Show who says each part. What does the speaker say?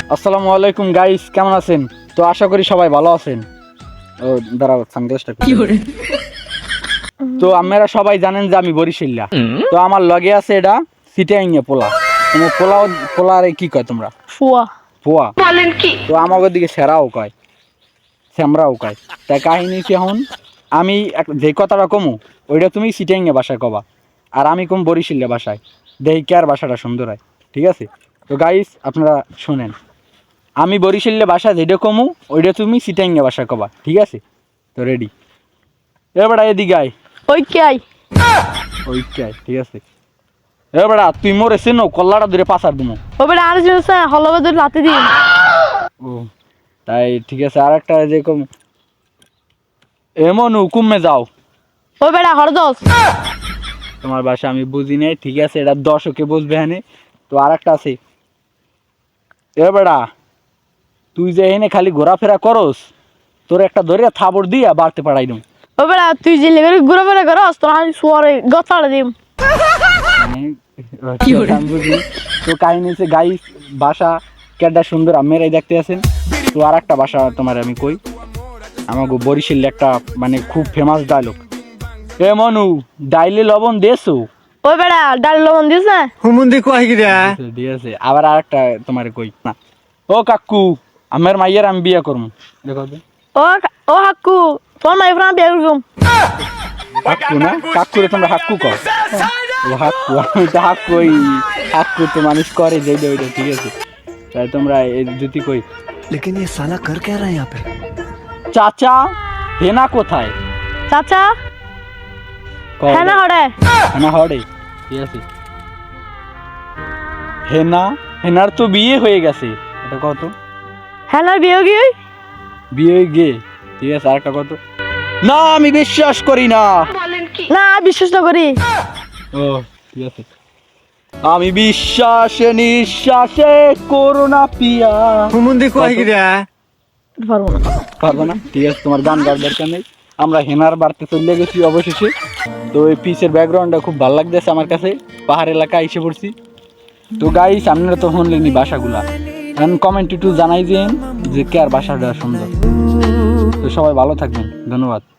Speaker 1: আসসালামু আলাইকুম গাইস, কেমন আছেন? তো আশা করি সবাই ভালো আছেন। ও দাঁড়াও, সানগ্লাসটা কি করে। তো আপনারা সবাই জানেন যে আমি বরিশাল্লা। তো আমার লগে আছে এটা সিটাইঙ্গা পোলা। তোমরা পোলারে কি কয় তোমরা?
Speaker 2: ফুয়া।
Speaker 1: পোয়া বলেন কি? তো আমাদের দিকে সেরাও কয়, শ্যামরাও কয়। তাই কাহিনী কি, এখন আমি যে কথাটা কমু ওইটা তুমি সিটাইঙ্গা ভাষায় কবা, আর আমি কম বরিশাল্লা ভাষায়। দেখি কার ভাষাটা সুন্দর হয়, ঠিক আছে? তো গাইস আপনারা শুনেন, আমি বরিশাল্লা ভাষা যেটা কমু ওইটা তুমি সিটাইঙ্গা ভাষায় কবা, ঠিক আছে? তো রেডি? এবার এদিকে আয়।
Speaker 2: ওই কে আই?
Speaker 1: ওইকে আয়, ঠিক আছে? এবার তুই মোরে চেনো, কল্লাটা ধরে পাচার দিমু।
Speaker 2: ও বেটা আর জিনিস হলবে ধরে লাতে দিই।
Speaker 1: ও তাই ঠিক আছে, আর একটা যে কম এমন হুকুমে যাও।
Speaker 2: ও বেটা হরদস।
Speaker 1: তোমার ভাষা আমি বুঝি নাই, ঠিক আছে? এটা দর্শকে বুঝবে হ্যাঁ। তো আর একটা আছে, এবারা তুই যে এনে খালি ঘোরাফেরা করস, তোর একটা ধরে থাবড় দিয়া বাড়তে পারাই দম।
Speaker 2: ও বেটা তুই জিলে করে ঘুরে ফেরা করস তো আমি শুয়ারে গছাড়ে দিম।
Speaker 1: তো কাহিনী হচ্ছে গাইস, ভাষা কেডা সুন্দর আপনারাই দেখতে আছেন। তো আর একটা ভাষা তোমার আমি কই, আমাকে বরিশাল একটা মানে খুব ফেমাস ডায়লগ, এ মনু ডাইলে লবণ দেছো।
Speaker 2: ও বেটা ডাল লবণ দিস না।
Speaker 3: হুমুন্দি কয় কি রে?
Speaker 1: ঠিক আছে, আবার আর একটা তোমার কই না, ও কাকু আমার মাইয়ের আমি বিয়ে করবো, দেখো তো।
Speaker 2: ও হাক্কু তোর মাই ফ্রাম বিয়ে করুম।
Speaker 1: হাক্কু না, কাকুরে তোমরা হাক্কু কও। ও হাক্কু, আমি তো হাক্কু, ওই হাক্কু তো মানুষ করে যেইটা ওইটা, ঠিক আছে? তাই তোমরা এই জুতি কই।
Speaker 3: लेकिन ये साला कर क्या रहा है यहाँ पे?
Speaker 1: চাচা হেনা কোথায়?
Speaker 2: চাচা
Speaker 1: কও।
Speaker 2: হ্যাঁ না হরে।
Speaker 1: হেনা হরে, ঠিক আছে? হেনার তো বিয়ে হয়ে গেছে, এটা কত?
Speaker 2: হ্যাঁ না বিয়ে কি?
Speaker 1: বিয়ে হয়ে গে, ঠিক আছে? আর একটা কত? না আমি বিশ্বাস করি না।
Speaker 2: না বিশ্বাস তো করি।
Speaker 1: ও ঠিক আছে, আমি বিশ্বাসে নিঃশ্বাসে করোনা পিয়া।
Speaker 3: হুমুন্দি কয় কি রে?
Speaker 2: পারবো না।
Speaker 1: পারবো না, ঠিক আছে? তোমার গান গাওয়ার দরকার নেই। আমরা হেনার বাড়তে চলে গেছি অবশেষে। তো এই পিচের ব্যাকগ্রাউন্ডটা খুব ভালো লাগতেছে আমার কাছে, পাহাড় এলাকা এসে পড়ছি। তো গাইস আপনারা তো শুনলেনি ভাষাগুলা, এখন কমেন্ট একটু জানাই দিন যে কে আর ভাষাটা সুন্দর। তো সবাই ভালো থাকবেন, ধন্যবাদ।